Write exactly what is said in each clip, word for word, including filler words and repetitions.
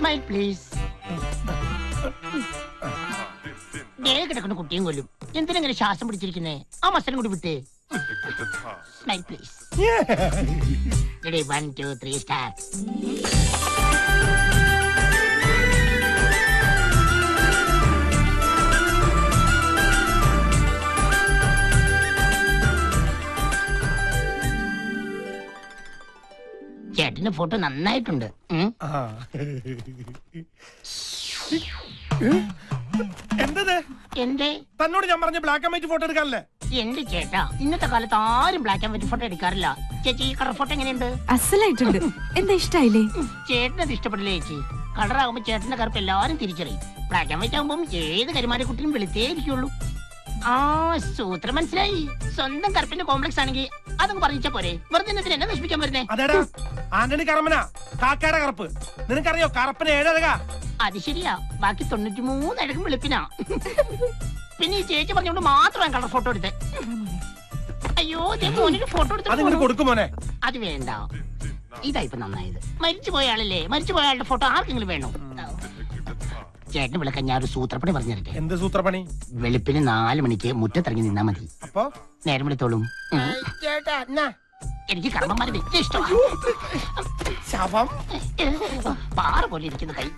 Smile please. കിടക്കുന്ന കുട്ടിയും കൊല്ലും. എന്തിനെങ്ങനെ ശ്വാസം പിടിച്ചിരിക്കുന്നേ? ആ മസലും കൂടി വിട്ടേ. Smile please. Ready, one two three start. ചേട്ടന്റെ ഫോട്ടോ നന്നായിട്ടുണ്ട്. എന്തത്? എന്റെ തന്നോട് ഞാൻ പറഞ്ഞ ബ്ലാക്ക് ആൻഡ് വൈറ്റ് ഫോട്ടോ എടുക്കാനല്ലേ? എന്റെ ചേട്ടാ, ഇന്നത്തെ കാലത്ത് ആരും ബ്ലാക്ക് ആൻഡ് വൈറ്റ് ഫോട്ടോ എടുക്കാറില്ല. ചേച്ചി, ഈ കളർ ഫോട്ടോ എങ്ങനെയുണ്ട്? അസലായിട്ടുണ്ട്. എന്താ ഇഷ്ടായില്ലേ? ചേട്ടനത് ഇഷ്ടപ്പെടില്ലേ ചേച്ചി? കളറാകുമ്പോ ചേട്ടന്റെ കറുപ്പ് എല്ലാരും തിരിച്ചറിയും. ബ്ലാക്ക് ആൻഡ് വൈറ്റ് ആകുമ്പോൾ ഏത് കരിമാരെ കുട്ടിയും വെളുത്തേ ഇരിക്കുള്ളൂ. ആ സൂത്രം മനസ്സിലായി. സ്വന്തം കറുപ്പിന്റെ കോംപ്ലക്സ് ആണെങ്കിൽ അതങ്ങ് പറഞ്ഞാ പോരെ. വെറുതെ എന്നെ നശിപ്പിക്കാൻ വരുന്നേ. അതേടാ, ആന്റണി കറമനാ കാക്കയുടെ കറുപ്പ്. നിനക്കറിയോ കറുപ്പിന് ഏഴഴകാ? അത് ശരിയാ. ബാക്കി തൊണ്ണൂറ്റി മൂന്ന് അഴകും വെളുപ്പിനാ. പിന്നെ ഈ ചേച്ചി പറഞ്ഞോണ്ട് മാത്രമാണ് കളർ ഫോട്ടോ എടുത്തേ. അയ്യോ, മോനൊരു ഫോട്ടോ എടുത്തു കൊടുക്കുമോനെ. അത് വേണ്ട, ഇതായിപ്പോ നന്നായത്. മരിച്ചു പോയ ആളല്ലേ, മരിച്ചു പോയ ആളുടെ ഫോട്ടോ ആർക്കെങ്കിലും വേണോ? ചേട്ടന് വിളക്കാൻ ഞാൻ ഒരു സൂത്രപ്പണി പറഞ്ഞിരിക്കെ. എന്ത് സൂത്രപ്പണി? വെളുപ്പിന് നാല് മണിക്ക് മുറ്റത്തിറങ്ങി നിന്നാ മതി. അപ്പൊ നേരം വിളിത്തോളും. എനിക്ക് കർമ്മന്മാരെ വലിയ ഇഷ്ടമാണ്. പാറ പോലെ ഇരിക്കുന്ന കൈ.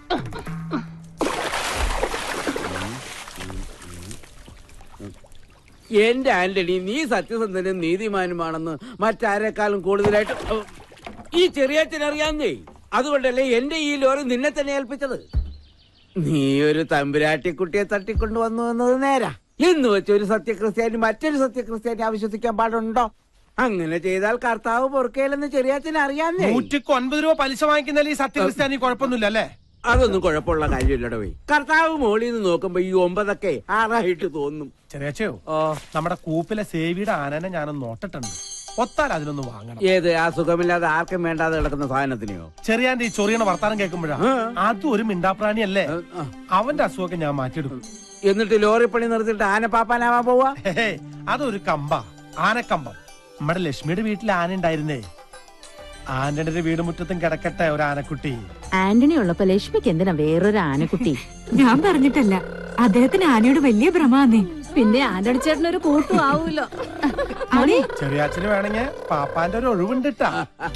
എന്റെ ആന്റണി, നീ സത്യസന്ധനും നീതിമാനുമാണെന്ന് മറ്റാരെക്കാളും കൂടുതലായിട്ട് ഈ ചെറിയച്ഛനറിയാന്നേ. അതുകൊണ്ടല്ലേ എന്റെ ഈ ലോറി നിന്നെ തന്നെ ഏൽപ്പിച്ചത്. നീ ഒരു തമ്പുരാട്ടിക്കുട്ടിയെ തട്ടിക്കൊണ്ടുവന്നു എന്നത് നേരാ. എന്ന് വെച്ച് ഒരു സത്യക്രിസ്ത്യാനി മറ്റൊരു സത്യക്രിസ്ത്യാനി അവിശ്വസിക്കാൻ പാടുണ്ടോ? അങ്ങനെ ചെയ്താൽ കർത്താവ് പൊറുക്കയിലെന്ന് ചെറിയച്ഛന് അറിയാന്നേ. നൂറ്റിക്ക് ഒൻപത് രൂപ പലിശ വാങ്ങിക്കുന്നതിൽ ഈ സത്യക്രിസ്ത്യാനി കുഴപ്പമൊന്നുമില്ല അല്ലേ? അതൊന്നും കുഴപ്പമുള്ള കാര്യമില്ലടോ. കർത്താവ് മോളിൽ നിന്ന് നോക്കുമ്പോ ഈ ഒമ്പതൊക്കെ ആറായിട്ട് തോന്നും. ചെറിയച്ചയോ, നമ്മുടെ കൂപ്പിലെ സേവിയുടെ ആനനെ ഞാനൊന്ന് നോട്ടിട്ടുണ്ട്. ഒത്താൽ അതിനൊന്ന് വാങ്ങണം. ഏത്? ആ സുഖമില്ലാതെ ആർക്കും വേണ്ടാതെ കിടക്കുന്ന സാധനത്തിനെയോ? ചെറിയാന്റെ ഈ ചൊറിയണ വർത്താനം കേൾക്കുമ്പോഴാ അതും ഒരു മിണ്ടാപ്രാണി അല്ലേ? അവന്റെ അസുഖമൊക്കെ ഞാൻ മാറ്റിയെടുക്കും. എന്നിട്ട് ലോറി പണി നിർത്തിയിട്ട് ആനപ്പാപ്പാനാവാൻ പോവാ? അതൊരു കമ്പ, ആനക്കമ്പം. നമ്മുടെ ലക്ഷ്മിയുടെ വീട്ടിൽ ആന ഉണ്ടായിരുന്നേ. ആന്റണിയുടെ വീട് മുറ്റത്തും കിടക്കട്ടെ ഒരു ആനക്കുട്ടി. ആന്റണി ഉള്ളപ്പോ ലക്ഷ്മിക്ക് എന്തിനാ വേറൊരു ആനക്കുട്ടി? ഞാൻ പറഞ്ഞിട്ടല്ല, അദ്ദേഹത്തിന് ആനയോട് വലിയ ഭ്രമാന്നേ. പിന്നെ ആന്റണി ചേട്ടനൊരു കൂട്ടും ആവൂലോ. ചെറിയാച്ചന് വേണമെങ്കിൽ പാപ്പാന്റെ ഒരു ഒഴിവുണ്ടിട്ടാ.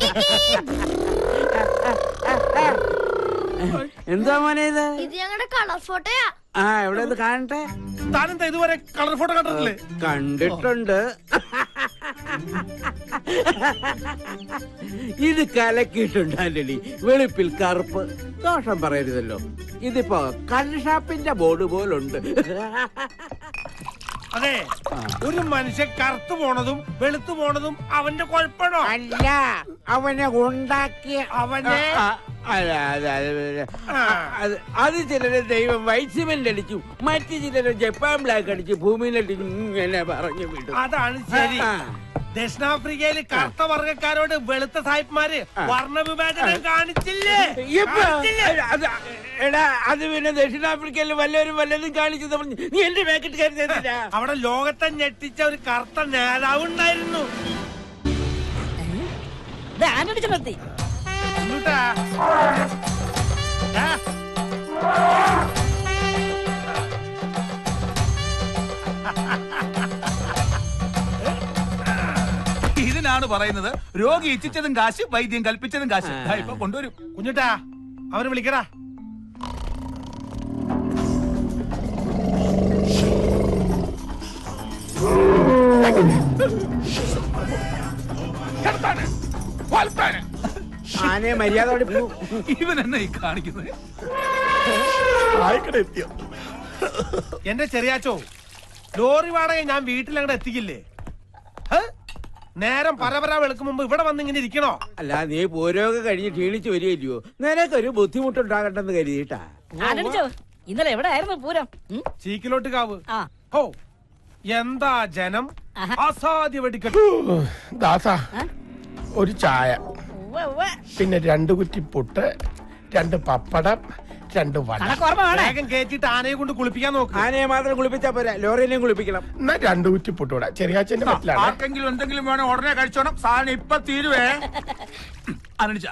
എന്താ മോനെ ഇത്? ഇത് ഞങ്ങളുടെ കളർ ഫോട്ടോയാ. ആ, എവിടെ ഇത് കാണട്ടെ. താനെന്താ ഇതുവരെ കളർ ഫോട്ടോ കണ്ടിട്ടില്ലേ? കണ്ടിട്ടുണ്ട്. ഇത് കലക്കിയിട്ടുണ്ട് ആന്റണി. വെളുപ്പിൽ കറുപ്പ്. ദോഷം പറയരുതല്ലോ. ഇതിപ്പോ കൺഷാപ്പിന്റെ ബോർഡ് പോലുണ്ട്. അതെ, ഒരു മനുഷ്യൻ കറുത്തു പോണതും വെളുത്തു പോണതും അവന്റെ കുഴപ്പമാണോ? അല്ല, അവനെ ഉണ്ടാക്കിയ അവനെ. അത് ചിലര് ദൈവം വൈറ്റ് സിമെന്റ് അടിച്ചു, മറ്റു ചിലര് ജപ്പാൻ ബ്ലാക്ക് അടിച്ചു ഭൂമിയിലടിച്ചു ഇങ്ങനെ പറഞ്ഞു വിടും. അതാണ് ശരി. ദക്ഷിണാഫ്രിക്കയില് കറുത്ത വർഗക്കാരോട് വെളുത്ത സാഹിബ്മാര് വർണ്ണവിവേചനം കാണിച്ചില്ലേ? എടാ, അത് പിന്നെ ദക്ഷിണാഫ്രിക്കയിൽ വല്ലവരും വല്ലതും കാണിച്ചു പറഞ്ഞു നീ എന്റെ പാക്കറ്റ് കരുതില്ല. അവിടെ ലോകത്തെ ഞെട്ടിച്ച ഒരു കറുത്ത നേതാവ് ഉണ്ടായിരുന്നു. ഇതിനാണ് പറയുന്നത് രോഗി ഇച്ഛിച്ചതും കാശ്, വൈദ്യം കൽപ്പിച്ചതും കാശ്. ഇപ്പൊ കൊണ്ടുവരും. കുഞ്ഞുട്ടാ, അവന് വിളിക്കടാ. ആനയെ മര്യാദയോടെ ഇവൻ എന്നെ ഈ കാണിക്കുന്നത്. എന്റെ ചെറിയാച്ചോ, ലോറി വാടക ഞാൻ വീട്ടിൽ അങ്ങോട്ട് എത്തിക്കില്ലേ? നേരം പരപര വെളുക്കും മുമ്പ് ഇവിടെ വന്ന് ഇങ്ങനെ ഇരിക്കണോ? അല്ല, നീ പൂരമൊക്കെ കഴിഞ്ഞ് ക്ഷീണിച്ച് വരികയില്ലയോ? നിനക്കൊരു ബുദ്ധിമുട്ടുണ്ടാകട്ടെന്ന് കരുതിയിട്ടാ. ഇന്നലെ എവിടെ ആയിരുന്നു പൂരം? ചീക്കിലോട്ട് കാവ്. ഹോ, എന്താ ജനം! അസാധ്യ വെടിക്കെട്ട്. ദാസ, ഒരു ചായ, പിന്നെ രണ്ടു കുറ്റി പുട്ട്, രണ്ട് പപ്പടം, രണ്ട് വേഗം കേറ്റിട്ട് ആനയെ കൊണ്ട് കുളിപ്പിക്കാൻ നോക്ക്. ആനയെ മാത്രം കുളിപ്പിച്ചാ പോരാ, ലോറിനെയും കുളിപ്പിക്കണം. എന്നാ രണ്ടു കുറ്റി പുട്ടൂടാ. ചെറിയാച്ചന്റെ പറ്റിലാണ്. ആർക്കെങ്കിലും എന്തെങ്കിലും വേണം ഉടനെ കഴിച്ചോണം. സാധനം ഇപ്പൊ തീരുവേ. അനടിച്ച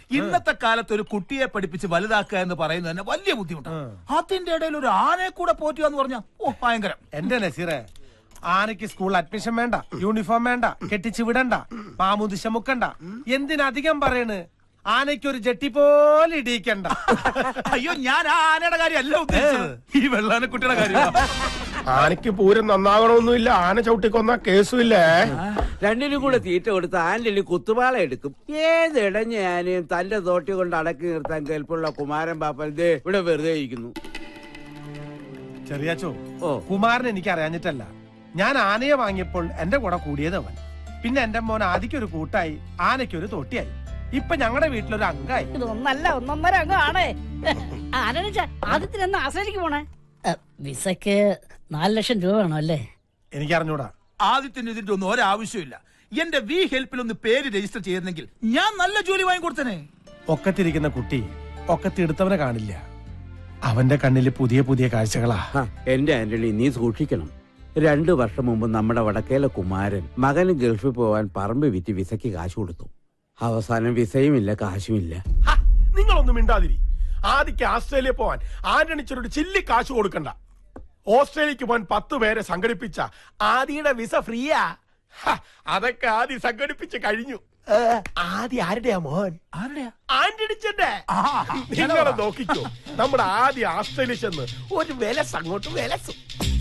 ഇന്നത്തെ കാലത്ത് ഒരു കുട്ടിയെ പഠിപ്പിച്ച് വലുതാക്കുക എന്ന് പറയുന്നത് തന്നെ വലിയ ബുദ്ധിമുട്ടാണ്. അതിന്റെ ഇടയിൽ ഒരു ആനയെ കൂടെ പോറ്റുക എന്ന് പറഞ്ഞാൽ ഓ ഭയങ്കരം. എന്റെ നസീറെ, ആനയ്ക്ക് സ്കൂളിൽ അഡ്മിഷൻ വേണ്ട, യൂണിഫോം വേണ്ട, കെട്ടിച്ചു വിടണ്ട, മാമുദിശ മുക്കണ്ട. എന്തിനധികം പറയണ്, ആനയ്ക്ക് ഒരു ജട്ടി പോലെ ഇടിയിക്കണ്ട. അയ്യോ, ഞാൻ ആ ആനയുടെ കാര്യമല്ല ഉദ്ദേശിച്ചത്, ഈ വെള്ളാനക്കുട്ടിയുടെ കാര്യം. ആനയ്ക്ക് പൂരം നന്നാകണമെന്നില്ല, ആന ചവിട്ടിക്കൊന്ന കേസുമില്ലേ. രണ്ടിനും കൂടെ തീറ്റ കൊടുത്ത് ആന്റണി കുത്തുപാള എടുക്കും. ഏത് ഇടഞ്ഞ ആനയും തന്റെ തോട്ടി കൊണ്ട് അടക്കി നിർത്താൻ കേൾപ്പുള്ള കുമാരൻ പാപ്പൻ ദേ ഇവിടെ വെറുതെ ഇരിക്കുന്നു. ചെറിയാച്ചോ, ഓ കുമാരൻ എനിക്ക് അറിയാഞ്ഞിട്ടല്ല. ഞാൻ ആനയെ വാങ്ങിയപ്പോൾ എന്റെ കൂടെ കൂടിയത് അവൻ. പിന്നെ എന്റെ മോൻ ആദിക്കൊരു കൂട്ടായി, ആനയ്ക്കൊരു തോട്ടിയായി. ഇപ്പൊ ഞങ്ങളുടെ വീട്ടിലൊരു അംഗമായി. ഇതൊന്നല്ല ഒന്നൊന്നര അംഗം ആണേ. ആനച്ച ആദ്യത്തിനെന്ന് ആശ്രയിക്ക് പോണേ. വിസക്ക് നാല് ലക്ഷം രൂപ വേണോ അല്ലേ? എനിക്ക് അറിഞ്ഞൂടാ. ആദ്യത്തിന് ഇതിന്റെ ഒന്നും ഒരാവശ്യമില്ല. എന്റെ വി ഹെൽപ്പിൽ ഒന്ന് പേര് രജിസ്റ്റർ ചെയ്തെങ്കിൽ ഞാൻ നല്ല ജോലി വാങ്ങിക്കൊടുത്തനെ. ഒക്കത്തിരിക്കുന്ന കുട്ടി ഒക്കത്തെടുത്തവനെ കാണില്ല. അവന്റെ കണ്ണില് പുതിയ പുതിയ കാഴ്ചകളാ. എന്റെ ആന്റണി, നീ സൂക്ഷിക്കണം. രണ്ടു വർഷം മുമ്പ് നമ്മുടെ വടക്കേലെ കുമാരൻ മകന് ഗൾഫിൽ പോവാൻ പറമ്പ് വിറ്റ് വിസയ്ക്ക് കാശ് കൊടുത്തു. അവസാനം വിസയും ഇല്ല, കാശുമില്ല. നിങ്ങളൊന്നും മിണ്ടാതിരി. ആദിക്ക് ആസ്ട്രേലിയ പോവാൻ ആന്റണിച്ചൊരു ചില്ലി കാശ് കൊടുക്കണ്ട. ഓസ്ട്രേലിയക്ക് പോകാൻ പത്ത് പേരെ സംഘടിപ്പിച്ച ആദിയുടെ വിസ ഫ്രീയാ. അതൊക്കെ ആദ്യം സംഘടിപ്പിച്ച് കഴിഞ്ഞു. ആദ്യ ആരുടെയാ മോൻ? ആരുടെയാ? ആന്റണിച്ചന്റെ. നിങ്ങളെ നോക്കിക്കോ, നമ്മുടെ ആദ്യ ആസ്ട്രേലിയ ചെന്ന് ഒരു വിലസ് അങ്ങോട്ട് വിലസും.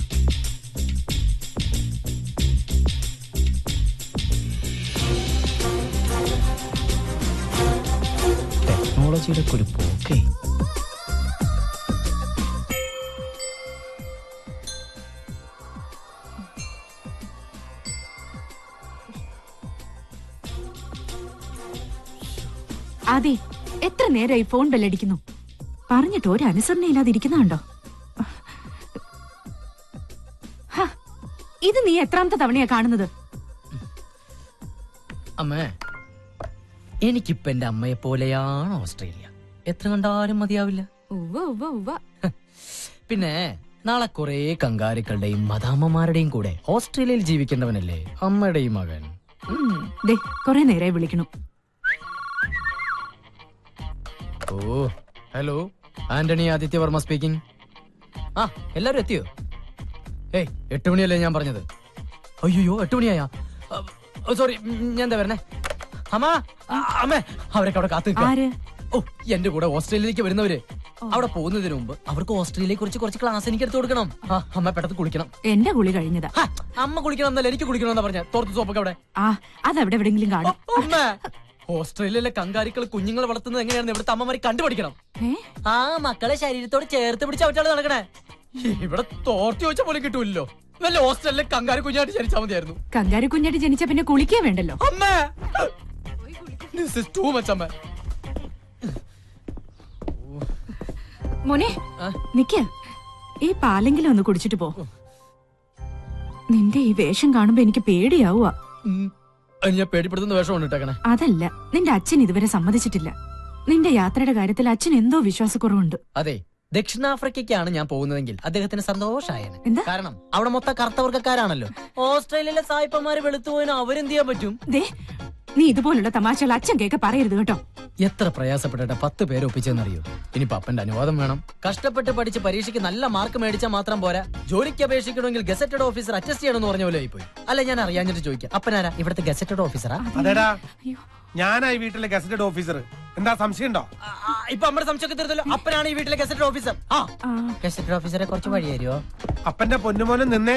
ടെക്നോളജിയുടെ ഒരു പോക്കേ. അതെ, എത്ര നേരമായി ഫോൺ ബെല്ലടിക്കുന്നു. പറഞ്ഞിട്ട് ഒരു അനുസരണ ഇല്ലാതിരിക്കുന്നുണ്ടോ? ഇത് നീ എത്രാമത്തെ തവണയാ കാണുന്നത്? അമ്മേ, എനിക്കിപ്പോ എന്റെ അമ്മയെ പോലെയാണ് ഓസ്ട്രേലിയ. എത്ര കണ്ടാലും മതിയാവില്ല. പിന്നെ നാളെ കുറെ കങ്കാരുക്കളുടെയും മദാമ്മമാരുടെയും കൂടെ ഓസ്ട്രേലിയയിൽ ജീവിക്കേണ്ടവനല്ലേ അമ്മയുടെയും മകൻ. കൊറേ നേരമായി വിളിക്കണു. Oh hello, Antony Adithyavarma speaking. ആ, എല്ലാരും എത്തിയോ? ഏയ്, എട്ട് മണിയല്ലേ ഞാൻ പറഞ്ഞത്? അയ്യോ, എട്ട് മണിയായാ? സോറി, ഞാൻ എന്താ വരണേ? അമ്മ, അമ്മേ, അവരൊക്കെ അവിടെ കാത്തു നിൽക്കാം. ഓ, എന്റെ കൂടെ ഓസ്ട്രേലിയയിലേക്ക് വരുന്നവര്. അവിടെ പോകുന്നതിന് മുമ്പ് അവർക്ക് ഓസ്ട്രേലിയയെ കുറിച്ച് കുറച്ച് ക്ലാസ് എനിക്ക് എടുത്തു കൊടുക്കണം. ആ, അമ്മ പെട്ടെന്ന് കുളിക്കണം. എന്റെ കുളി കഴിഞ്ഞതാ. അമ്മ കുളിക്കണം എന്നല്ല, എനിക്ക് കുളിക്കണം എന്നാ പറഞ്ഞ. തോർത്ത് സോപ്പൊക്കെ അവിടെ. ആ, അതെവിടെ എവിടെങ്കിലും കാണും. അമ്മ, ഓസ്ട്രേലിയയിലെ കങ്കാരികൾ കുഞ്ഞുങ്ങളെ വളർത്തുന്നത് എങ്ങനെയാണെന്ന് ഇവിടുത്തെ അമ്മമാരെ കണ്ടുപിടിക്കണം. ആ, മക്കളെ ശരീരത്തോട് ചേർത്ത് പിടിച്ച അവറ്റാണ് നടക്കണേ. ഇവിടെ തോർത്തി വെച്ച പോലെ കിട്ടൂല്ലോ. വല്ല ഓസ്ട്രേലിയയിലെ കങ്കാരി കുഞ്ഞായിട്ട് ജനിച്ചാൽ മതിയായിരുന്നു. കങ്കാരി കുഞ്ഞായിട്ട് ജനിച്ച പിന്നെ കുളിക്കേ വേണ്ടല്ലോ. അമ്മേ, this is too much, അമ്മ. മോനെ, നിക്ക, ഈ പാലെങ്കിലും ഒന്ന് കുടിച്ചിട്ട് പോ. നിന്റെ ഈ വേഷം കാണുമ്പോ എനിക്ക് പേടിയാവുക. ഞാൻ പേടിപ്പെടുത്തുന്ന വേഷം ഇട്ടേക്കണേ. അതല്ല, നിന്റെ അച്ഛൻ ഇതുവരെ സമ്മതിച്ചിട്ടില്ല. നിന്റെ യാത്രയുടെ കാര്യത്തിൽ അച്ഛൻ എന്തോ വിശ്വാസക്കുറവുണ്ട്. അതെ, ദക്ഷിണാഫ്രിക്കയ്ക്കാണ് ഞാൻ പോകുന്നതെങ്കിൽ അദ്ദേഹത്തിന് സന്തോഷായേനെ. കാരണം അവിടെ മൊത്തം കറുത്തവർക്കാരാണല്ലോ. ഓസ്ട്രേലിയയിലെ സായിപ്പന്മാര് വെളുത്തുപോയിന് അവരെന്ത് ചെയ്യാൻ പറ്റും? നീ ഇതുപോലുള്ള തമാശകൾ അച്ഛൻ കേക്ക് പറയരുത് കേട്ടോ. എത്ര പ്രയാസപ്പെട്ടിട്ട് പത്ത് പേര് ഒപ്പിച്ചെന്നറിയോ? ഇനി പപ്പന്റെ അനുവാദം വേണം. കഷ്ടപ്പെട്ട് പഠിച്ച് പരീക്ഷയ്ക്ക് നല്ല മാർക്ക് മേടിച്ചാൽ മാത്രം പോരാ, ജോലിക്ക് അപേക്ഷിക്കണമെങ്കിൽ ഗസറ്റഡ് ഓഫീസർ അറ്റസ്റ്റ് ചെയ്യണമെന്ന് പറഞ്ഞ പോലെ ആയിപ്പോയി. അല്ല, ഞാൻ അറിയാഞ്ഞിട്ട് ചോദിക്കാം, അപ്പനാരാ ഇവിടുത്തെ ഗസറ്റഡ് ഓഫീസറാ? അതെടാ, ഞാനായി വീട്ടിലെ ഗസറ്റഡ് ഓഫീസർ. എന്താ സംശയം ഉണ്ടോ? ഇപ്പൊ നമ്മുടെ സംശയമൊക്കെ തീർത്തല്ലോ. അപ്പനാണ് ഈ വീട്ടിലെ ഗസറ്റഡ് ഓഫീസർ. ആ, ഗസറ്റഡ് ഓഫീസറെ കുറച്ച് വഴി തരുമോ? അപ്പന്റെ പൊന്നുമോനും നിന്നേ.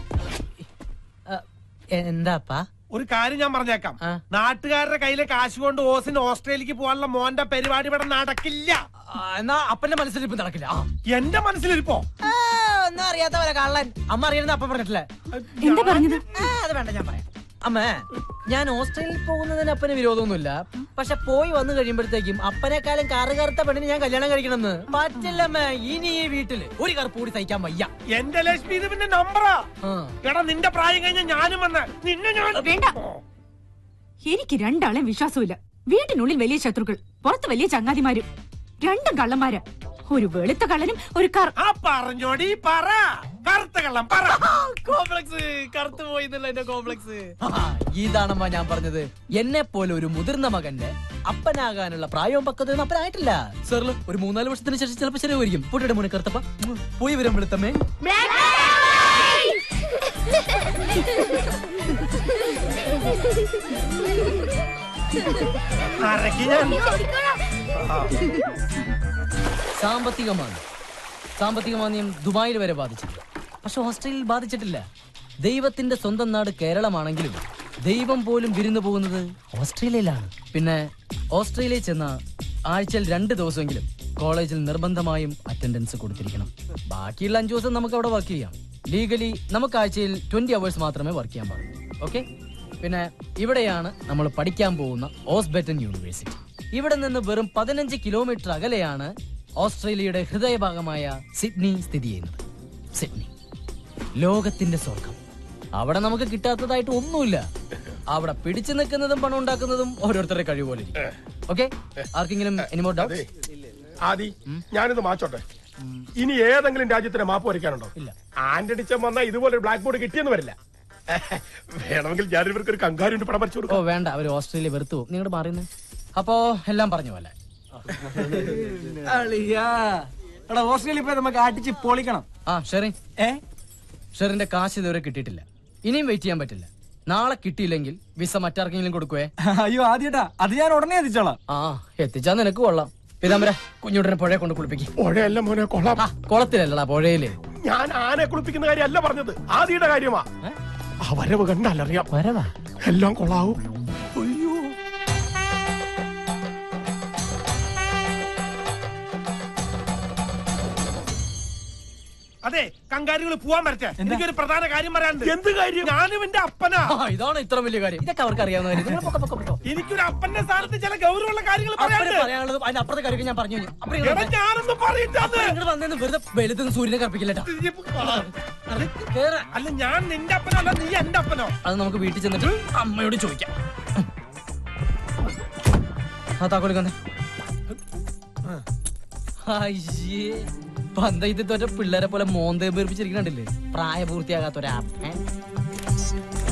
എന്താപ്പാ? ഒരു കാര്യം ഞാൻ പറഞ്ഞേക്കാം. നാട്ടുകാരുടെ കയ്യിലെ കാശ് കൊണ്ട് ഓസിന് ഓസ്ട്രേലിയക്ക് പോകാനുള്ള മോന്റെ പരിപാടി ഇവിടെ നടക്കില്ല. എന്നാ അപ്പന്റെ മനസ്സിലിരിപ്പ് നടക്കില്ല. എന്റെ മനസ്സിലിരിപ്പോ ഒന്നും അറിയാത്ത പോലെ കള്ളൻ. അമ്മ അറിയുന്നത് അപ്പം പറഞ്ഞിട്ടില്ലേ? എന്താ പറഞ്ഞത്? അത് വേണ്ട, ഞാൻ പറയാം. അമ്മേ, ഞാൻ ഓസ്ട്രേലിയയിൽ പോകുന്നതിന് അപ്പന് വിരോധമൊന്നുമില്ല. പക്ഷെ പോയി വന്നു കഴിയുമ്പോഴത്തേക്കും അപ്പനെക്കാളും കറു കറുത്ത പെണ്ണിന് ഞാൻ കല്യാണം കഴിക്കണമെന്ന് പറ്റില്ലമ്മേ. ഇനി ഈ വീട്ടില് ഒരു കറുപ്പ് കൂടി സഹിക്കാൻ വയ്യ. എന്റെ ലക്ഷ്മി, ഇത് പിന്നെ നമ്പറാ. എടാ, നിന്റെ പ്രായം കഴിഞ്ഞ ഞാനും വന്ന് നിന്നെ ഞാൻ വേണ്ട. എനിക്ക് രണ്ടാളെ വിശ്വാസമില്ല. വീട്ടിനുള്ളിൽ വലിയ ശത്രുക്കൾ, പുറത്ത് വലിയ ചങ്ങാതിമാരും. രണ്ടും കള്ളന്മാരാ. ഒരു വെളുത്ത കള്ളനും ഒരു പറഞ്ഞോടി പറ. കറുത്ത കള്ളം പറ. കോംപ്ലക്സ് കറുത്തു പോയി എന്റെ കോംപ്ലക്സ്. ഇതാണമ്മ ഞാൻ പറഞ്ഞത്. എന്നെ പോലെ ഒരു മുതിർന്ന മകന്റെ അപ്പനാകാനുള്ള പ്രായവും പക്വതയൊന്നും അപ്പനായിട്ടില്ല. സാറില് ഒരു മൂന്നാല് വർഷത്തിന് ശേഷം ചിലപ്പോൾ ശരിയായിരിക്കും. പൊട്ടിയുടെ മുന്നേ കറുത്തപ്പ പോയി വരാൻ വെളുത്തമ്മേ. സാമ്പത്തികമാണ് സാമ്പത്തികമാന്ദ്യം ദുബായിൽ വരെ ബാധിച്ചില്ല. പക്ഷെ ഓസ്ട്രേലിയയിൽ ബാധിച്ചിട്ടില്ല. ദൈവത്തിന്റെ സ്വന്തം നാട് കേരളമാണെങ്കിലും ദൈവം പോലും വിരുന്നു പോകുന്നത് ഓസ്ട്രേലിയയിലാണ്. പിന്നെ ഓസ്ട്രേലിയയിൽ ചെന്ന ആഴ്ചയിൽ രണ്ട് ദിവസമെങ്കിലും കോളേജിൽ നിർബന്ധമായും അറ്റൻഡൻസ് കൊടുത്തിരിക്കണം. ബാക്കിയുള്ള അഞ്ചു ദിവസം നമുക്ക് അവിടെ വർക്ക് ചെയ്യാം. ലീഗലി നമുക്ക് ആഴ്ചയിൽ ട്വന്റി അവേഴ്സ് മാത്രമേ വർക്ക് ചെയ്യാൻ പാടുള്ളൂ. ഓക്കെ. പിന്നെ ഇവിടെയാണ് നമ്മൾ പഠിക്കാൻ പോകുന്ന ഓസ്ബെറ്റൻ യൂണിവേഴ്സിറ്റി. ഇവിടെ നിന്ന് വെറും പതിനഞ്ച് കിലോമീറ്റർ അകലെയാണ് ഓസ്ട്രേലിയയുടെ ഹൃദയഭാഗമായ സിഡ്നി സ്ഥിതി ചെയ്യുന്നത്. സിഡ്നി ലോകത്തിന്റെ സ്വർഗം. അവിടെ നമുക്ക് കിട്ടാത്തതായിട്ട് ഒന്നുമില്ല. അവിടെ പിടിച്ചു നിൽക്കുന്നതും പണം ഉണ്ടാക്കുന്നതും ഓരോരുത്തരുടെ കഴിവ് പോലെ ഇരിക്കും. ഓക്കെ. ആർക്കെങ്കിലും എനിമോർ ഡൗട്ട്? ആദി, ഞാനിത് മാച്ചോട്ടെ. ഇനി ഏതെങ്കിലും രാജ്യത്തിന് മാപ്പ് വരയ്ക്കാനുണ്ടോ? ഇല്ല. ആന്റണിച്ചൻ വന്നാൽ ഇതുപോലെ ഒരു ബ്ലാക്ക് ബോർഡ് കിട്ടിയെന്ന് വരില്ല. വേണമെങ്കിൽ ഞാൻ ഇവർക്ക് ഒരു കങ്കാരുണ്ട് പടം വരച്ചു ഓ കൊടുക്കും. വേണ്ട, അവര് ഓസ്ട്രേലിയ വെറുത്തു പോകും. നിങ്ങളുടെ മാറിയുന്നേ. അപ്പോ എല്ലാം പറഞ്ഞു പോലെ. ഓസ്ട്രേലിയ പോയി നമുക്ക് അടിച്ച് പൊളിക്കണം. ആ ഷെറി, ഏ ഷെറിന്റെ കാശ് ഇതുവരെ കിട്ടിയിട്ടില്ല. ഇനിയും വെയിറ്റ് ചെയ്യാൻ പറ്റില്ല. നാളെ കിട്ടിയില്ലെങ്കിൽ വിസ മറ്റാർക്കെങ്കിലും കൊടുക്കുവേ. അയ്യോ ആദ്യട്ടാ, അത് ഞാൻ ഉടനെ എത്തിച്ചോളാം. ആ എത്തിച്ചാ നിനക്ക് കൊള്ളാം. പിതാമര കുഞ്ഞുടനെ പുഴയെ കൊണ്ട് കുളിപ്പിക്കും. പുഴയല്ല മോനെ, കൊള്ളാം. കുളത്തിലല്ലടാ, പുഴയില്. ഞാൻ ആനെ കുളിപ്പിക്കുന്ന കാര്യമല്ല പറഞ്ഞത്, ആദിയുടെ കാര്യമാ. ആ വരവ് കണ്ടാലറിയാം. വരവാ എല്ലാം കൊള്ളാവും. അയ്യോ, അതെ, കങ്കാരികൾ പോവാൻ വരട്ടെ. എനിക്കൊരു പ്രധാന കാര്യം പറയാനുണ്ട്. എന്ത് കാര്യം? ഞാനും എന്റെ അപ്പനാ. ആ, ഇതാണ് ഇത്ര വലിയ കാര്യം. ഇതൊക്കെ അവർക്ക് അറിയാവുന്ന കാര്യം. നിങ്ങൾ പൊക്കോ, പൊക്കോ, പൊക്കോ. എനിക്കൊരു അപ്പന്റെ സ്ഥാനത്ത് ചില ഗൗരവമുള്ള കാര്യങ്ങൾ അപ്പന് പറയാനുണ്ട്. പറയാനുള്ളത് അതിന്റെ അപ്പുറത്തെ കാര്യം ഞാൻ പറഞ്ഞു. അപ്പൊ എടാ, ഞാനൊന്നും പറയില്ലാന്ന്. നിങ്ങൾ വന്നേന്ന് വെറുതെ വെളുത്തുനിന്ന് സൂര്യനെ കറപ്പിക്കില്ലട്ടാ. അല്ല, ഞാൻ നിന്റെ അപ്പനല്ല, നീ എന്റെ അപ്പനോ? അത് നമുക്ക് വീട്ടിൽ ചെന്നിട്ട് അമ്മയോട് ചോദിക്കാം. ആ താക്കോലിക്കന്നെ. അയ്യേ, പന്തയത്ത് തോറ്റ പിള്ളേരെ പോലെ മോന്തേം പേർപ്പിച്ചിരിക്കണ്ടില്ലേ? പ്രായപൂർത്തിയാകാത്ത ഒരാ